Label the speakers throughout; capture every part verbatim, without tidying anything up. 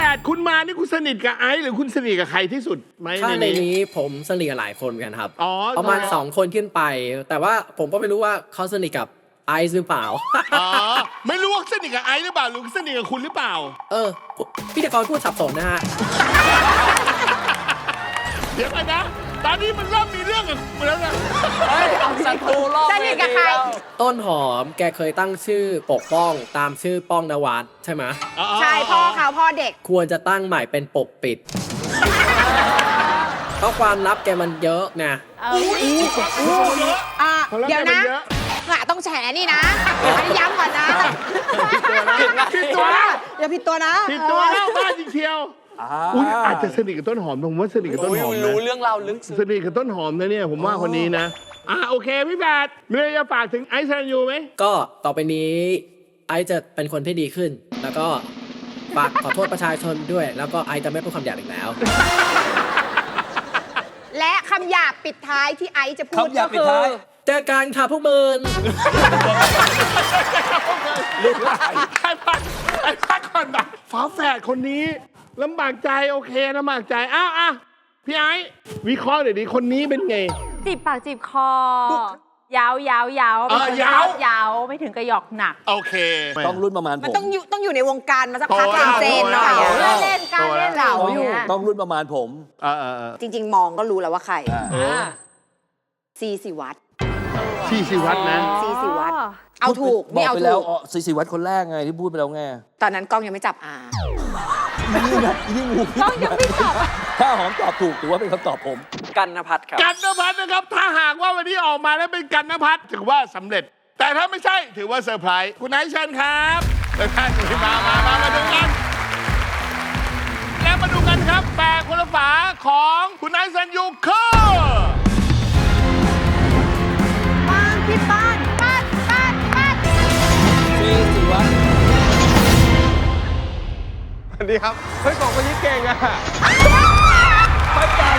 Speaker 1: ดคุณมานี่คุณสนิทกับไอซ์หรือคุณสนิทกับใครที่สุดไหม
Speaker 2: ถ้าในนี้ผมสนิทกับหลายคนกันครับ
Speaker 1: อ๋อ
Speaker 2: ประมาณสองคนขึ้นไป แต่ว่าผมก็ไม่รู้ว่าเขาสนิทกับไอซ์หรือเปล่า
Speaker 1: อ๋อไม่รู้ว่าสนิทกับไอซ์หรือเปล่าหรือสนิทกับคุณหรือเปล่า
Speaker 2: เออพิธีกรพูดสับสนนะฮะ
Speaker 1: เดี๋ยวไปนะตอนนี้มันเริ่มมีเรื่องกับคุณแล้วนะ
Speaker 3: ศัตรูรอบ
Speaker 4: สนิทกับใคร
Speaker 2: ต้นหอมแกเคยตั้งชื่อปกป้องตามชื่อป้องนวัดใช่ไหม
Speaker 4: ใช่พ่อเขาพ่อเด็ก
Speaker 2: ควรจะตั้งใหม่เป็นปกปิด เพราะความลับแกมันเยอะไง
Speaker 4: อ่าเดี๋ยวนะหะต้องแฉนี่นะอันนี้ย้ำก่อนนะ
Speaker 1: ผิดตัวนะ
Speaker 4: อย่าผิดตัวนะ
Speaker 1: ผิดตัวแล้วบ้าจริงเชียวอุ้ยอาจจะสนิทกับต้นหอมผมว่าสนิทกับต้นหอมนะ
Speaker 3: รู้เรื่องราวลึกซึ้ง
Speaker 1: สนิทกับต้นหอมนะเนี่ยผมว่าคนนี้นะอ่ะโอเคพี่แบดมีอะไรจะฝากถึงไอซ์แซนยูไหม
Speaker 2: ก็ต่อไปนี้ไอซ์จะเป็นคนที่ดีขึ้น แล้วก็ฝากขอโทษประชาชนด้วย แล้วก็ไอซ์จะไม่พูดคำหยาบอีกแล้ว
Speaker 4: และคำหยาบปิดท้ายที่ไอซ์จะพูด
Speaker 3: คำหยา
Speaker 4: ก็
Speaker 3: บปิด
Speaker 4: คือ
Speaker 3: ท้าย
Speaker 2: เจอกันค่ะพวกมึง
Speaker 1: ไอ้พักไอ้พักก่อนนะฝาแฝดคนนี้ลำบากใจโอเคลำบากใจอ้าวอ่ะพี่ไอ้วิเคราะห์หน่อยดิคนนี้เป็นไง
Speaker 5: จีบปากจีบคอยาวยาวยาว
Speaker 1: เออยาว
Speaker 5: ยาวไม่ถึงกระหยอกหนัก
Speaker 1: โอเค
Speaker 3: ต้องรุ่นประมาณผ
Speaker 4: มัน
Speaker 3: ม
Speaker 4: ต้องอยู่ต้องอยู่ในวงการมาสักพัก
Speaker 1: โตแล้ว
Speaker 4: เซนๆหน่อย
Speaker 1: โต
Speaker 4: อะ
Speaker 1: แล้ว
Speaker 5: เล่นการเล่นเหล่าอยู่
Speaker 3: ต้องรุ่นประมาณผม
Speaker 1: เออเออเออ
Speaker 4: จริง ๆ มองก็รู้แล้วว่าใคร ซีสิวัตร
Speaker 1: ที่สิวัฒน์นะ
Speaker 4: ซีสิวัตรเอาถูก
Speaker 3: บ
Speaker 4: ไม่
Speaker 3: อก
Speaker 4: เอา
Speaker 3: ไป
Speaker 4: ถู
Speaker 3: แล้ว
Speaker 4: ก
Speaker 3: อ๋อสิสิวัตรคนแรกไงที่พูดไปแล้วไง
Speaker 4: ตอนนั้นกล้องยังไม่จับอา
Speaker 3: นี่นะยิ่งงู
Speaker 5: ต้องยังไม่ตอบ
Speaker 3: ถ้าหอมตอบถูกถือว่าเป็นคำตอบผม
Speaker 2: กันนภัทรครับ
Speaker 1: กันนภัทรนะครับ ถ้าหากว่าวันนี้ออกมาแล้วเป็นกันนภัทรถือว่าสำเร็จ แต่ถ้าไม่ใช่ถือว่าเซอร์ไพรส์คุณไอซ์เชิญครับเชิญท่านมามามามาดูกัน แล้วมาดูกันครับแปลคนละฝาของคุณไอซ์แซนยูคือ
Speaker 4: ป้านพี่ป้านป้านป้านป้าน
Speaker 3: ซีสิวัตร
Speaker 6: สวัสดีครับ เฮ้ยสองคนนี้เก่งอะ
Speaker 3: ไปกัน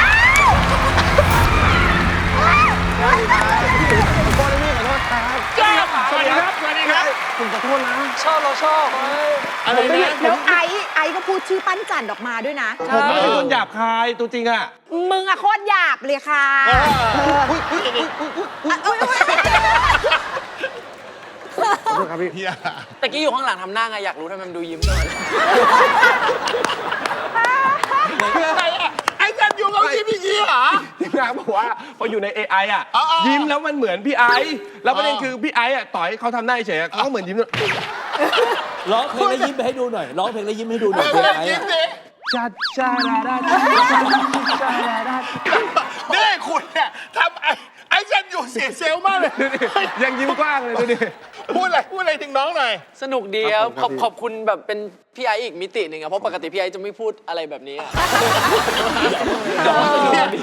Speaker 6: ขอโทษนะพี่ขอโทษครับ
Speaker 1: แก้มสวัสดีครับ สวัสดีครับ
Speaker 6: ผมขอโทษนะ
Speaker 3: ชอบเราชอบ
Speaker 1: อะไรนะ
Speaker 4: แล้วไอซ์ไอซ์ก็พูดชื่อปั้นจันออกมาด้วยนะ
Speaker 6: ผมไม่เป็นคนหยาบคายตัวจริงอะ
Speaker 4: มึงอะโคตรหยาบเลยค่ะ
Speaker 6: ขอโทษครับพี่
Speaker 1: เฮีย
Speaker 3: ตะกี้อยู่ข้างหลังทำหน้าไงอยากรู้ทำไมมันดูยิ้มตลอด
Speaker 1: คืออะไรอะไอซ์แซนยูเขายิ้มอย่างนี้เหรอ
Speaker 6: ทีมงานบอกว่าพออยู่ใน เอ ไอ อ่ะ
Speaker 1: อ๋ออ๋อ
Speaker 6: ยิ้มแล้วมันเหมือนพี่ไอซ์แล้วประเด็น
Speaker 1: อ๋อ
Speaker 6: คือพี่ไอซ์อ่ะต่อยเขาทำหน้าเฉยๆเขาก็เหมือนยิ้มด้วย
Speaker 3: ร้องเพลงแล้วยิ้มไปให้ดูหน่อยร้องเพลงแล้วยิ้มให้ดูหน่อย
Speaker 1: เอ
Speaker 3: เพลง
Speaker 1: อ
Speaker 3: ไอ้
Speaker 1: ยิ้ม
Speaker 3: อะ
Speaker 1: ดิ
Speaker 6: จัดชาดาดาชาดาดา
Speaker 1: นี่คุณเนี่ยทำไอ้ไอ้แซนยูเสียเซลล์มากเลย
Speaker 6: ดูดิยังยิ้มกว้างเลยดูดิ
Speaker 1: พูดอะไรพูดอะไรถึงน้องหน่อย
Speaker 3: สนุกดีครับ
Speaker 6: ค
Speaker 3: ข
Speaker 6: รั
Speaker 3: อ
Speaker 6: บบ ผม
Speaker 3: ขอบคุณแบบเป็นพี่ไอซ์อีกมิติหนึ่งอะเพราะปกติพี่ไอซ์จะไม่พูดอะไรแบบนี้อะ